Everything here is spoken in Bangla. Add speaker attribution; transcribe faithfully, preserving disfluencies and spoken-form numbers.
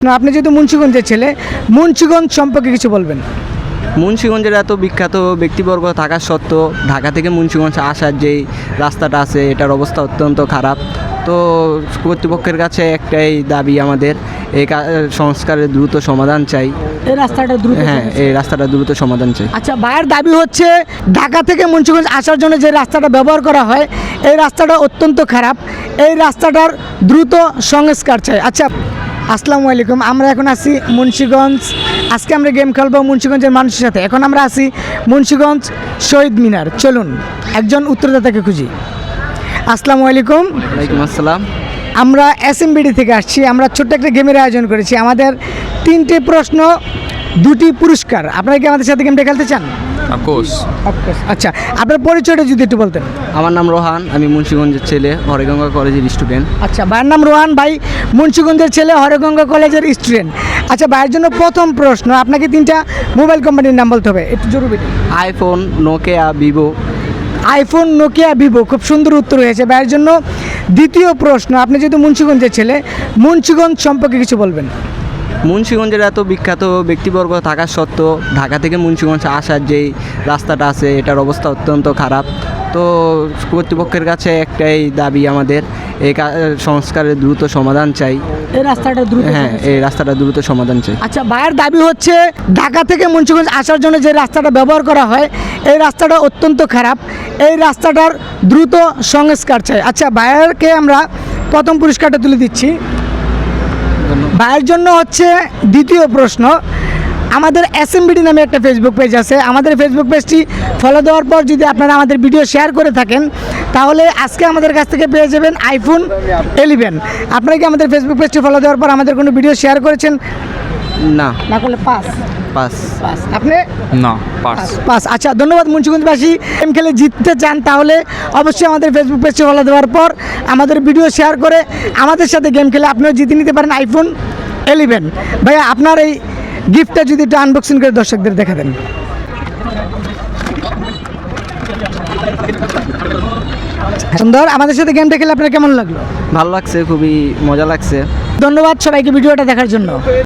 Speaker 1: না, আপনি যেহেতু মুন্সিগঞ্জের ছেলে, মুন্সিগঞ্জ সম্পর্কে কিছু বলবেন।
Speaker 2: মুন্সিগঞ্জের এত বিখ্যাত ব্যক্তিবর্গ থাকা সত্ত্বেও ঢাকা থেকে মুন্সিগঞ্জ আসার যেই রাস্তাটা আছে এটার অবস্থা অত্যন্ত খারাপ। তো কর্তৃপক্ষের কাছে একটাই দাবি আমাদের, এই কা- সংস্কারের দ্রুত সমাধান চাই।
Speaker 1: এই রাস্তাটা দ্রুত
Speaker 2: হ্যাঁ, এই রাস্তাটা দ্রুত সমাধান চাই।
Speaker 1: আচ্ছা, ভাইয়ের দাবি হচ্ছে ঢাকা থেকে মুন্সিগঞ্জ আসার জন্য যে রাস্তাটা ব্যবহার করা হয় এই রাস্তাটা অত্যন্ত খারাপ, এই রাস্তাটার দ্রুত সংস্কার চাই। আচ্ছা, আসসালামু আলাইকুম। আমরা এখন আছি মুন্সিগঞ্জ, আজকে আমরা গেম খেলবো মুন্সিগঞ্জের মানুষের সাথে। এখন আমরা আছি মুন্সিগঞ্জ শহীদ মিনার। চলুন একজন উত্তরদাতাকে খুঁজি। আসসালামু আলাইকুম।
Speaker 2: ওয়ালাইকুম আসসালাম।
Speaker 1: আমরা এসএমবিডি থেকে আসছি। আমরা ছোট্ট একটা গেমের আয়োজন করেছি। আমাদের তিনটে প্রশ্ন, দুটি পুরস্কার। আপনারা কি আমাদের সাথে গেমটা খেলতে চান?
Speaker 3: অফকোর্স।
Speaker 1: আচ্ছা, আপনার পরিচয়টা যদি একটু বলতেন।
Speaker 2: আমার নাম রোহান, আমি মুন্সিগঞ্জের ছেলে, হরেগঙ্গা কলেজের স্টুডেন্ট।
Speaker 1: আচ্ছা, ভাইয়ের নাম রোহান, ভাই মুন্সিগঞ্জের ছেলে, হরগঙ্গা কলেজের স্টুডেন্ট। আচ্ছা, ভাইয়ের জন্য প্রথম প্রশ্ন, আপনাকে তিনটা মোবাইল কোম্পানির নাম বলতে হবে, একটু জরুরি।
Speaker 2: IPhone, Nokia, Vivo.
Speaker 1: IPhone, Nokia, Vivo, খুব সুন্দর উত্তর হয়েছে। ভাইয়ের জন্য দ্বিতীয় প্রশ্ন, আপনি যেহেতু মুন্সিগঞ্জের ছেলে, মুন্সিগঞ্জ সম্পর্কে কিছু বলবেন।
Speaker 2: মুন্সিগঞ্জের এত বিখ্যাত ব্যক্তিবর্গ থাকা সত্ত্বেও ঢাকা থেকে মুন্সিগঞ্জ আসার যেই রাস্তাটা আছে এটার অবস্থা অত্যন্ত খারাপ। তো কর্তৃপক্ষের কাছে একটাই দাবি আমাদের, এই কা- সংস্কারের দ্রুত সমাধান চাই।
Speaker 1: এই রাস্তাটা দ্রুত
Speaker 2: হ্যাঁ, এই রাস্তাটা দ্রুত সমাধান চাই।
Speaker 1: আচ্ছা, ভাইয়ের দাবি হচ্ছে ঢাকা থেকে মুন্সিগঞ্জ আসার জন্য যে রাস্তাটা ব্যবহার করা হয় এই রাস্তাটা অত্যন্ত খারাপ, এই রাস্তাটার দ্রুত সংস্কার চাই। আচ্ছা, ভাইয়েরকে আমরা প্রথম পুরস্কারটা তুলে দিচ্ছি। ভাইয়ের জন্য হচ্ছে দ্বিতীয় প্রশ্ন, আমাদের এসএমবিডি নামে একটা ফেসবুক পেজ আছে। আমাদের ফেসবুক পেজটি ফলো দেওয়ার পর যদি আপনারা আমাদের ভিডিও শেয়ার করে থাকেন তাহলে আজকে আমাদের কাছ থেকে পেয়ে যাবেন আইফোন ইলেভেন। আপনারা কি আমাদের ফেসবুক পেজটি ফলো দেওয়ার পর আমাদের কোনো ভিডিও শেয়ার করেছেন?
Speaker 2: না,
Speaker 1: না করলে পাস।
Speaker 2: পাস।
Speaker 1: পাস। আপনি
Speaker 3: না, পার্স।
Speaker 1: পাস। আচ্ছা, ধন্যবাদ। মুন্সিগঞ্জবাসী গেম খেলে জিততে চান তাহলে অবশ্যই আমাদের ফেসবুক পেজটি ফলো দেওয়ার পর আমাদের ভিডিও শেয়ার করে আমাদের সাথে গেম খেলে আপনিও জিতে নিতে পারেন আইফোন ইলেভেন। ভাইয়া, আপনার এই গিফটটা যদি একটু আনবক্সিং করে দর্শকদের দেখা দেন। সুন্দর। আমাদের সাথে গেমটা খেলে আপনার কেমন লাগলো?
Speaker 2: ভালো লাগছে, খুবই মজা লাগছে।
Speaker 1: ধন্যবাদ সবাইকে ভিডিওটা দেখার জন্য।